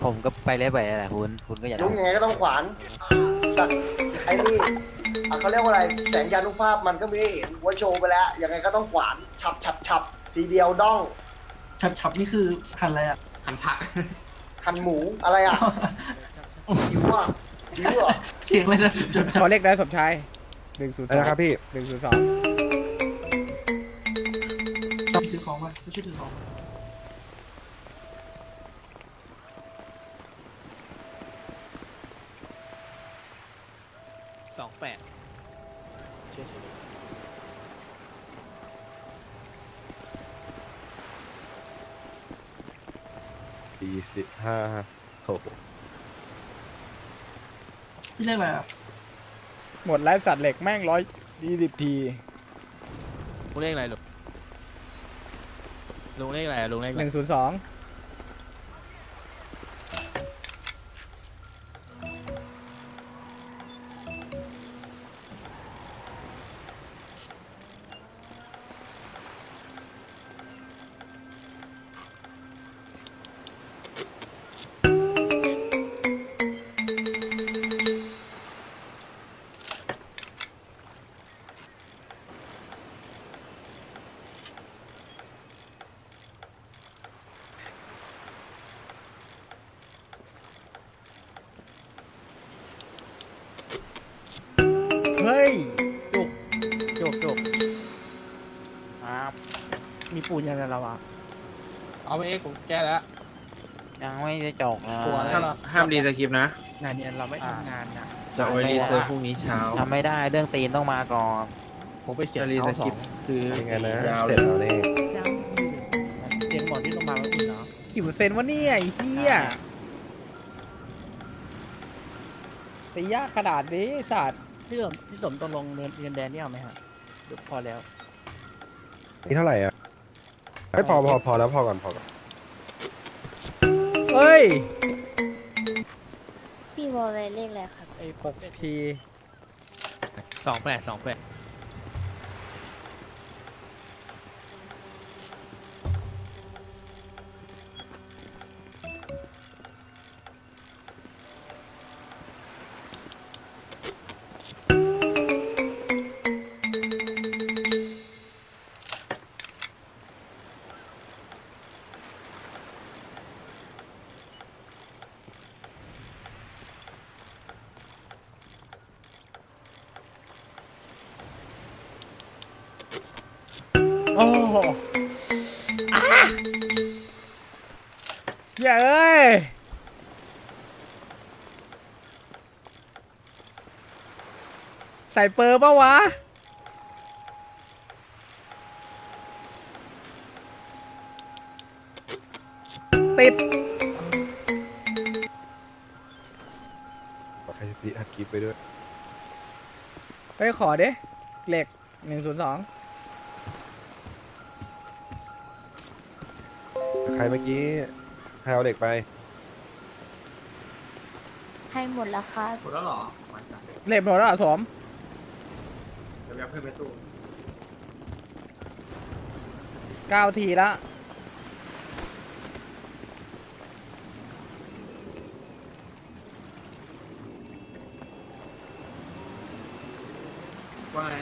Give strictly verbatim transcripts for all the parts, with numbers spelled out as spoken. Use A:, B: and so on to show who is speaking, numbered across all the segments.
A: ผมก็ไปเรื่อยไปแหละคุณคุณก็อย่า
B: ลุงยังไงก็ต้องขวานสัตว์ไอ้นี่อ่ะเขาเรียกว่าอะไรแสงยานุภาพมันก็มีให้เห็นหัวโชว์ไปแล้วยังไงก็ต้องขวานฉับฉับฉับทีเดียวด้อง
C: ฉับฉับนี่คือหันอะไรอ่ะ
D: หันผัก
B: หั่นหมูอะไรอ่ะหิวอ่ะหิวเหรอ
C: เสียงอะไรนะฉับฉับฉับ
E: ขอเลขได้สมชายหนึ่งศูนย์สอง
F: นะครับพี่
E: หนึ่งศูนย์สอง
C: ถือของมาไม่ใช่ถือของ
E: สองแปด
F: สี่สิบห้าโอ้โห
C: พี่เรียกอะไรอ่ะ
E: หมดไร้สัตว์เหล็กแม่งร้อยยี่สิบที
G: ลุงเลขอะไรลุงลุงเลขอะไรอะลุงเลขอะ
E: ห
G: ไร
E: นึ่งศูนย์สองเฮ้ย
G: จุกจุกจุก
A: ครับ
G: มีปูนยังไงเราอะ
E: เอาไปเอ็กผมแก้แล้ว
A: ยังไม่ได้จกเลย
D: ห้ามรีสคริปต์นะ
G: งานเนี้ยเราไม่ทำงานนะ
D: จะเอาไว้รีเซิร์ฟพรุ่งนี้เช้า
A: ทำไม่ได้เรื่องตีนต้องมาก่อน
G: ผมไปเขียน
D: จะรีส
G: เขา
D: ค
G: ส
D: ริ
G: อ
D: ป
G: ง
D: ต์คือ
F: ยังไงนะ
D: ยาว
F: เสร็จแล้วนี่
G: เตรียมบอร์ดที่โรงพยาบาลไว้อุ่นเนาะ
E: กี่เปอร์เซ็นต์วะเนี่ยไอ้เหี้ยตียากขนาดนี้ไอ้สัตว์
G: พี่สมพี่สมตกลงเงินเงินแดนนี่เอาไหมฮะเดี๋ยวพอแล้ว
F: นี่เท่าไหร่อ่ะไม่พอพอพอแล้วพอก่อนพอก่อน
E: เฮ้ย
H: พี่วอลเลยเลขอะไรครับ
E: ไอ้หกที
G: สองแปดสองแปด
E: โอ้โหอ่ะเหี้ยเอ้ย ใส่เปอร์ปะวะ ติด
F: ใครจะตีอัดคลิปไปด้วย
E: ไปขอดิเหล็กหนึ่งศูนย์สอง
F: ใครเมื่อกี้ใครเอาเด็กไป
H: ให้หมดแล้วครับ
D: หมดแล้วเหรอ
E: เหล็กหมดแล้วเหรอสม
D: เดี๋ยวแวะเพิ่มไปตู้
E: เก้าทีละ
D: ว่าไง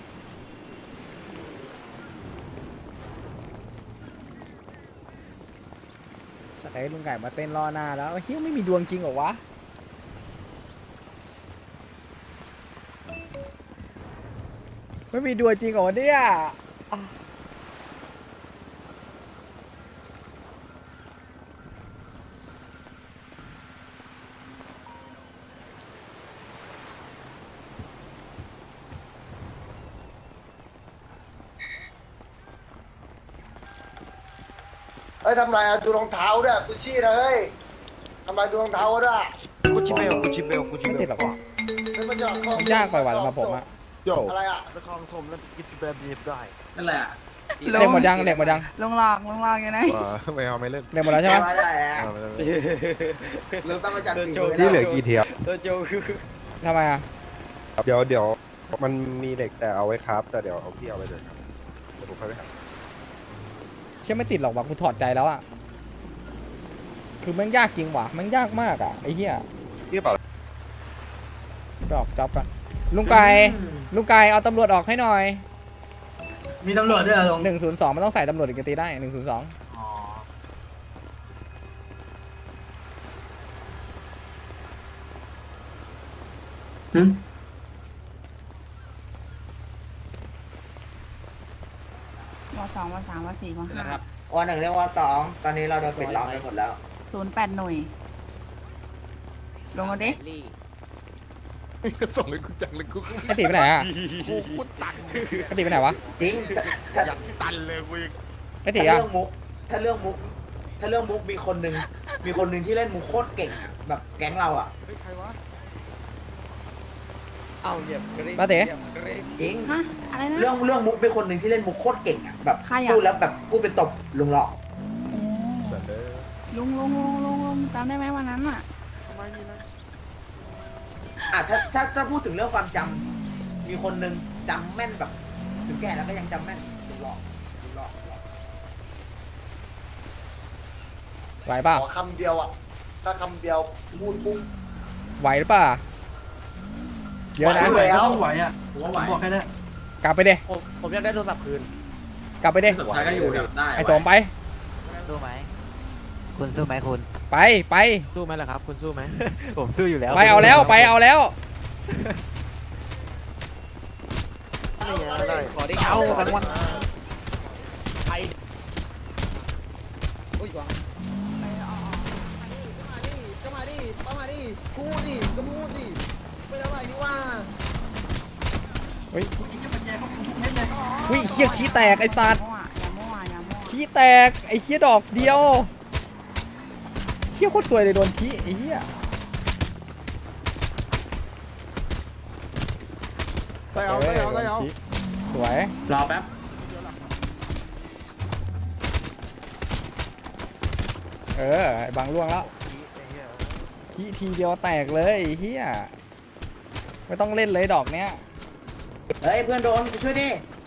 E: สกายลุงไก่มาเต้นรอหน้าแล้วเฮ้ยไม่มีดวงจริงเหรอวะ ไม่มีดวงจริงเหรอเนี่ยอ่ะ
B: เฮ้ยทำไรอ่ะดูรองเท้าด้วยกุชชี่นะเฮ้ยทำไรดูรองเท้าด้วย
F: กูชิเบลกูชิเบลกูชิ
E: ไม่
F: เบ
E: ติด
F: ล
E: หรอกวะ
B: ซื้อมาจากคลอง
E: มันยากไปว่ะสำหรับผมอะ
F: โย่
B: อะไรอ่ะ
F: ไปคลองถมแล้วกินแบบนี้ได้
D: นั่นแหละ
E: เหล็กหมดยังเหล็กหมดยัง
I: ลงลางลงลางยังไง
F: ว้าไม่เอาไม่เล่น
E: เหล็กหมดแล้วใช่ไหม
B: ไม่ได้แล้ว
F: เอาไม่เล่น
B: เริ่มตั้งมาจากปี
F: นี่เหลือกี่เทียบ
E: ทำไมอะ
F: เดี๋ยวเดี๋ยวมันมีเด็กแต่เอาไว้ครับ แต่เดี๋ยวเอาพี่เอาไปเลยครับเดี๋ยวผมค่อยไปหา
E: เชื่อไม่ติดหรอกวะกูถอดใจแล้วอะคคือมันยากจริงว่ะมันยากมากอ่ะไอ้เหี้ย
F: พี่เปล่า
E: ดอกจ็อบก่อนลุงไก่ลุงไก่เอาตำรวจออกให้หน่อย
C: มีตำรวจด้วยเหรอลุง
E: หนึ่งศูนย์สองมันต้องใส่ตำรวจอีกตีได้หนึ่งศูนย์สอง
C: อ๋อหืม
I: วสองวสามวสี่วห้า
J: วันหนึ่งเรียกว่าสองตอนนี้เราโดนปิดล้อมไปหมดแล้ว
I: ศูนย์แปดหน่วย ลงเอาดิ
F: ส่งให้กูจังเลยกู
E: ไอ้ตีไปไหนอ่ะไอ้ตีไปไหนวะ
J: จริงถ้า
F: อยากตันเลยกูยัง
E: ไอ้ตี
J: ถ้า
E: อ่ะ
J: เรื่องมุก ถ้าเรื่องมุก ถ้าเรื่องมุกมีคนหนึ่งมีคนหนึ่งที่เล่นมุกโคตรเก่งอะแบบแก๊งเราอ่ะ
F: เฮ้ยใครวะ
D: เอาเหยียบกระดิ่ง
E: มาเต๋
J: จริง
I: ฮะ อะไรนะ
J: เรื่องเรื่องมุกเป็นคนหนึ่งที่เล่นมุกโคตรเก่งอ่ะแบบ
I: ใครอะ
J: พูดแล้วแบบพูดเป็นตบลุงหลอก
I: โอ้
F: สัตว์เลย
I: ลุงลุงลุงลุงลุงจำได้ไหมวันนั้นอ่ะ
J: อ่ะถ้าถ้าถ้าพูดถึงเรื่องความจำมีคนหนึ่งจำแม่นแบบถึงแก่แล้วก็ยังจำแม่นลุงหลอกลุงหลอกลุงหลอก
E: ไหวเปล่า
B: ขอคำเดียวอ่ะ ถ้าคำเดียวพูดปุ๊บ
E: ไหวหรือเปล่าเยอะนะ
B: ไหว
C: ก็ต้องไหวอ่ะผมว่าไหวบอกแค่นั้น
E: กลับไปเด้
G: ผมผมอยากได้โทรศัพท์คืน
E: กลับไปเด้
D: สุดท้ายก็อยู่เดี๋ยวได้
E: ไอ้สมไป
A: สู้ไหมคุณสู้ไหมคุณ
E: ไปไป
G: สู้ไหมล่ะครับ คุณสู้ไหม
A: ผมสู้อยู่แล้ว
E: ไปเอาแล้วไปเอาแล้ว
A: ขอได้เอาทั้งวัน
E: เฮ้ย
C: ไอ้เจ้าปัญญาเขาคุมทุกเม็ดเลย
E: วิเขี้ยขี้แตกไอ้สัตว์
I: อย่ามั่วอย่ามั่ว
E: ขี้แตกไอ้เขี้ยดอกเดียวเขี้ยโคตรสวยเลยโดนขี้ไอ้เหี้ย
F: ใส่เอาใส่เอาใส่เอา
E: สวย
D: รอแป๊บ
E: เออไอ้บางล่วงแล้วขี้ทีเดียวแตกเลยไอ้เหี้ยไม่ต้องเล่นเลยดอกเนี้ย
J: เฮ้ยเพื่อนโดนไปช่วยดิ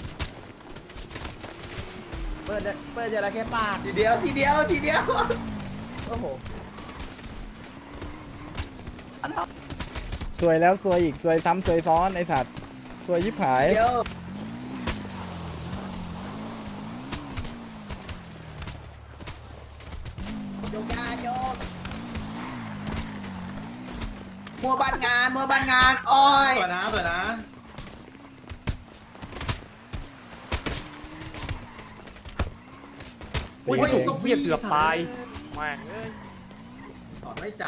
G: เปิดเปิดจระเข้ปาก
J: ทีเดียวทีเดียวทีเดียว
G: โอ้โห
E: สวยแล้วสวยอีกสวยซ้ำสวยซ้อนไอ้สัตว์สวยยิบหาย
J: เดียวโยกยาโยกมัวบ้านงานมัวบ้านงานโอ้ย
D: สวยนะสวยนะ
E: ตี
G: โอ้ย
E: เอง
G: เหี้ยเกือบตายแม่งเอ้ย
D: ตอดไม่จ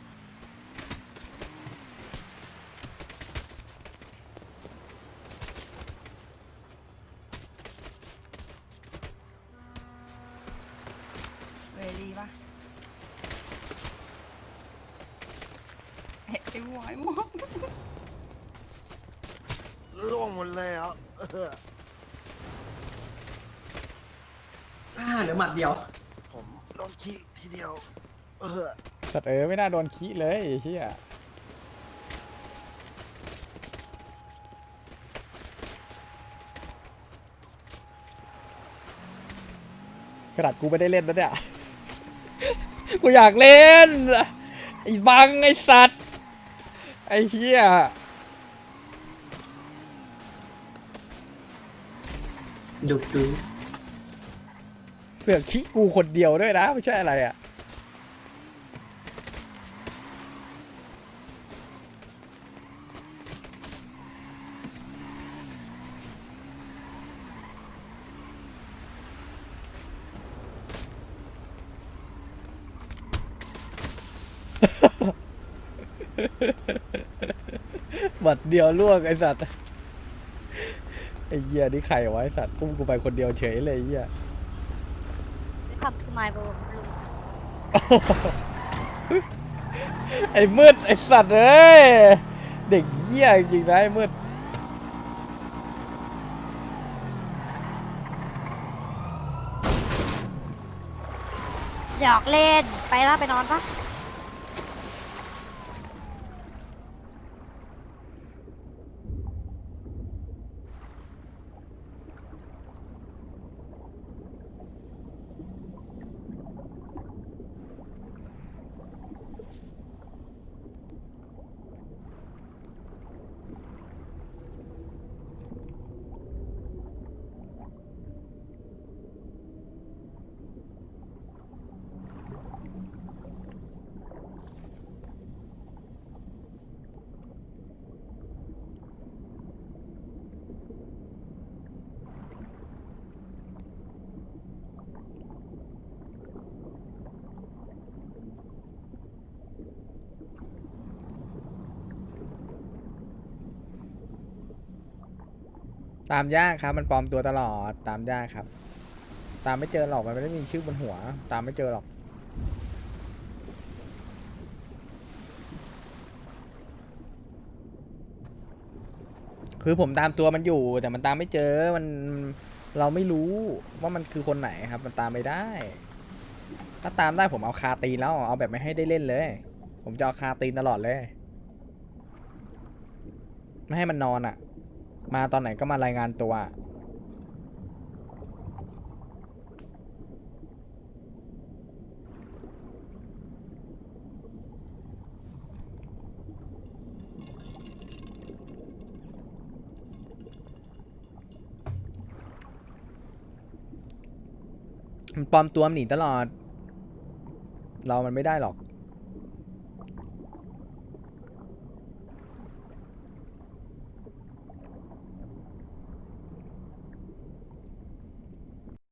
I: เวรีปะเฮ้ยไอ้หวายหมด
F: ล่วงหมดเลยอ่ะ
D: ำอ่าเหลือหมัดเดียว
F: ผมโดนขี้ทีเดียว เออ
E: สัตว์เออไม่น่าโดนขี้เลยไอ้เหี้ยกระดาษกูไม่ได้เล่นนะเนี่ย กูอยากเล่นไอ้บังไอ้สัตว์ไอ้เหี้ย
C: ดุดู
E: เสือกขี้กูคนเดียวด้วยนะไม่ใช่อะไรอ่ะบัดเดียวล่วงไอ้สัตว์ไอ้เหี้ยนี่ใครวะไอ้สัตว์พุ่งกูไปคนเดียวเฉยเลยไอ้เหี้ย
H: ขับสมายบลุง
E: ไอ้มืดไอ้สัตว์เอ้ยเด็กเหี้ยจริงนะไอ้มืด
H: หยอกเล่น ไปแล้วไปนอนปะ
E: ตามยากครับ มันปลอมตัวตลอด ตามยากครับ ตามไม่เจอหรอก มันไม่ได้มีชื่อบนหัว ตามไม่เจอหรอก คือผมตามตัวมันอยู่ แต่มันตามไม่เจอ มันเราไม่รู้ว่ามันคือคนไหนครับ มันตามไม่ได้ ถ้าตามได้ผมเอาคาตีนแล้ว เอาแบบไม่ให้ได้เล่นเลย ผมจะเอาคาตีนตลอดเลย ไม่ให้มันนอนอ่ะ มาตอนไหนก็มารายงานตัว มันปลอมตัวมันหนีตลอด เรามันไม่ได้หรอก